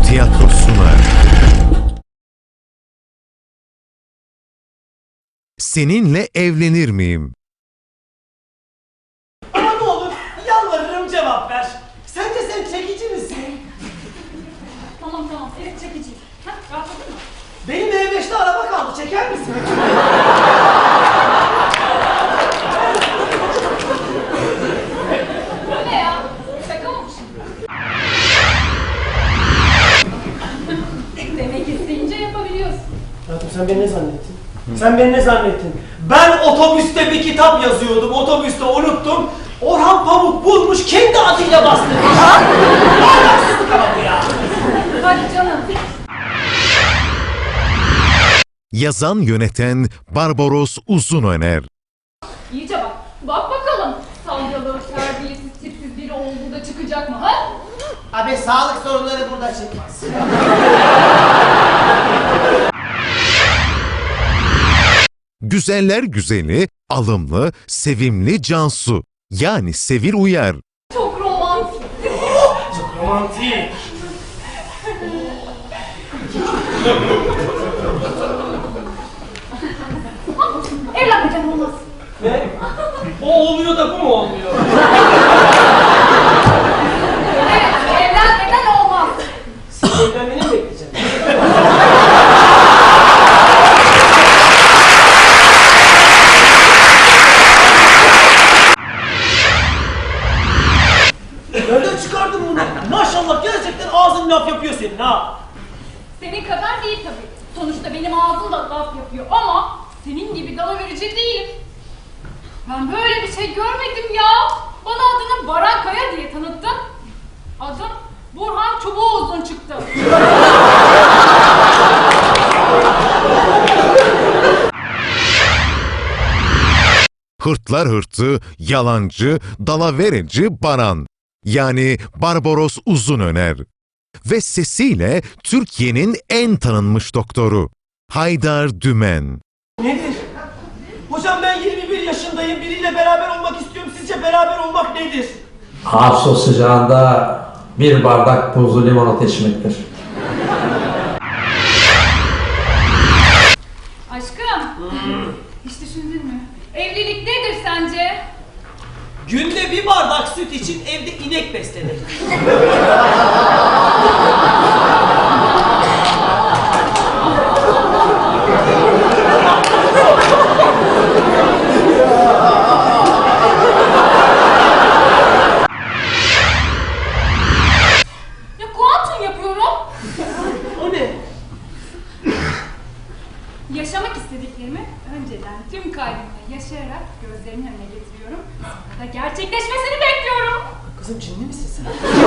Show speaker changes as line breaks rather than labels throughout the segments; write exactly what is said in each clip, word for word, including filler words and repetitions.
Tiyatro sunar. Seninle evlenir miyim?
Ama ne olur yalvarırım cevap ver. Sence sen çekici misin?
Tamam tamam, evet çekiciyim. Ha, rahatladın mı?
Benim E beşte araba kaldı, çeker misin?
Bu ne ya? Şaka mı bu şimdi? Demek isteyince yapabiliyorsun.
Hayatım sen beni ne zannettin? Sen beni ne zannettin? Ben otobüste bir kitap yazıyordum, otobüste unuttum. Orhan Pamuk bulmuş, kendi adıyla bastırmış. Ahlaksızlık ama bu ya.
Hadi canım.
Yazan yöneten Barbaros Uzunöner.
İyice bak. Bak bakalım. Salyalı, terbiyesiz, tipsiz biri olduğu da çıkacak mı ha?
Abi sağlık sorunları burada çıkmaz.
Güzeller güzeli, alımlı, sevimli Cansu. Yani Sevil Uyar.
Çok romantik.
Çok romantik.
Evlenmeyeceğim olmaz.
Ne? O oluyor da bu mu olmuyor?
Evet, evlenmeden olmaz.
Siz evlenmeni mi bekleyeceksiniz? Nereden çıkardın bunu? Maşallah gerçekten ağzın laf yapıyor senin ha.
Senin kadar değil tabii. Sonuçta benim ağzım da laf yapıyor ama senin gibi dalaverici değilim. Ben böyle bir şey görmedim ya. Bana adını Baran Kaya diye tanıttın. Adım Burhan Çubuğuzun çıktı.
Hırtlar hırtı, yalancı, dalavereci Baran. Yani Barbaros Uzunöner. Ve sesiyle Türkiye'nin en tanınmış doktoru. Haydar Dümen.
Nedir? Hocam ben yirmi bir yaşındayım. Biriyle beraber olmak istiyorum. Sizce beraber olmak nedir?
Ağustos sıcağında bir bardak buzlu limonata içmektir.
Aşkım, hiç düşündün mü? Evlilik nedir sence?
Günde bir bardak süt için evde inek beslenir.
Ya kuantum yapıyorum.
O ne?
Yaşamak istediklerimi önceden tüm kalbimle yaşayarak gözlerimin önüne getiriyorum. Sonra da gerçekleşmesini bekliyorum.
Kızım cinli misin sen?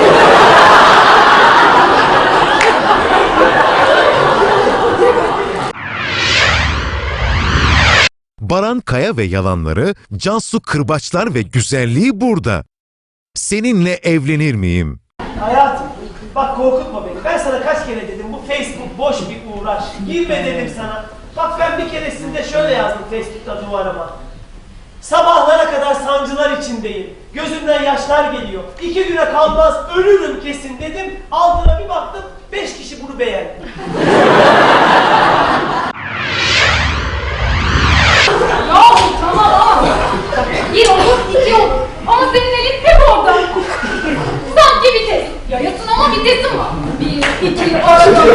Baran Kaya ve yalanları, Cansu Kırbaçlar ve güzelliği burada. Seninle evlenir miyim?
Hayatım, bak korkutma beni. Ben sana kaç kere dedim bu Facebook boş bir uğraş. Girme dedim sana. Bak ben bir keresinde şöyle yazdım Facebook'ta duvarıma. Sabahlara kadar sancılar içindeyim. Gözümden yaşlar geliyor. İki güne kalmaz ölürüm kesin dedim. Altına bir baktım beş kişi bunu beğendi.
Yahu tamam ama. Bir olur iki olur. Ama senin elin hep orada. Sanki vites. Yayasın ama vitesin var. Bir, iki, arada.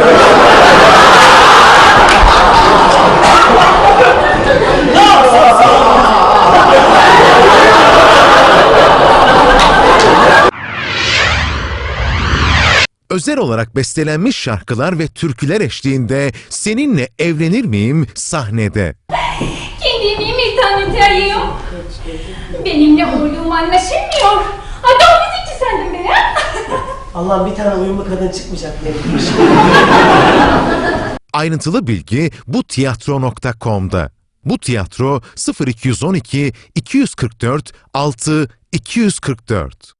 Özel olarak bestelenmiş şarkılar ve türküler eşliğinde Seninle Evlenir miyim sahnede.
Kendimi interneteyim. Benimle uyum anlaşılmıyor. Adam müzikçi sandım beni ha?
Allah'ım bir tane uyumlu kadın çıkmayacak demiş.
Ayrıntılı bilgi bu tiyatro nokta com'da. Bu tiyatro sıfır iki on iki iki kırk dört altı iki kırk dört.